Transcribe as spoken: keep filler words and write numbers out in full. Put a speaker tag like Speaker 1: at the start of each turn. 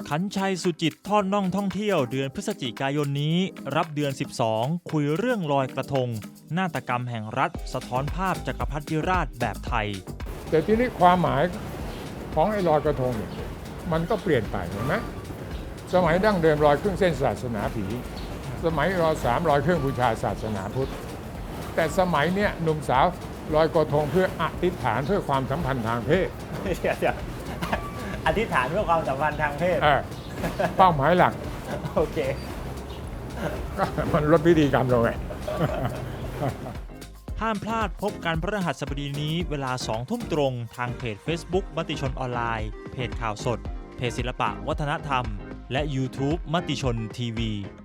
Speaker 1: ขันชัยสุจิตทอดน่องท่องเที่ยวเดือนพฤศจิกายนนี้รับเดือนสิบสองคุยเรื่องลอยกระทงนาฏกรรมแห่งรัฐสะท้อนภาพจักรพรรดิราชแบบไทย
Speaker 2: แต่ทีนี้ความหมายของไอ้ลอยกระทงเนี่ยมันก็เปลี่ยนไปเห็นไหมสมัยดั้งเดิมลอยเครื่องเส้นศาสนาผีสมัยรอสามลอยเครื่องบูชาศาสนาพุทธแต่สมัยเนี้ยหนุ่มสาวลอยกระทงเพื่ออธิษฐานเพื่อความสัมพันธ์ทางเพศ
Speaker 3: เดี๋ยวเดี๋ยวอธิษฐานเพื่อความสัมพันธ์ทางเพศ
Speaker 2: เป้าหมายหลัก
Speaker 3: โอเค
Speaker 2: ก็มันลดพิธีกรรมลงไง
Speaker 1: ห้ามพลาดพบกันพฤหัสบดีนี้เวลาสองทุ่มตรงทางเพจ Facebook มติชนออนไลน์เพจข่าวสดเพจศิลปะวัฒนธรรมและ YouTube มติชนทีวี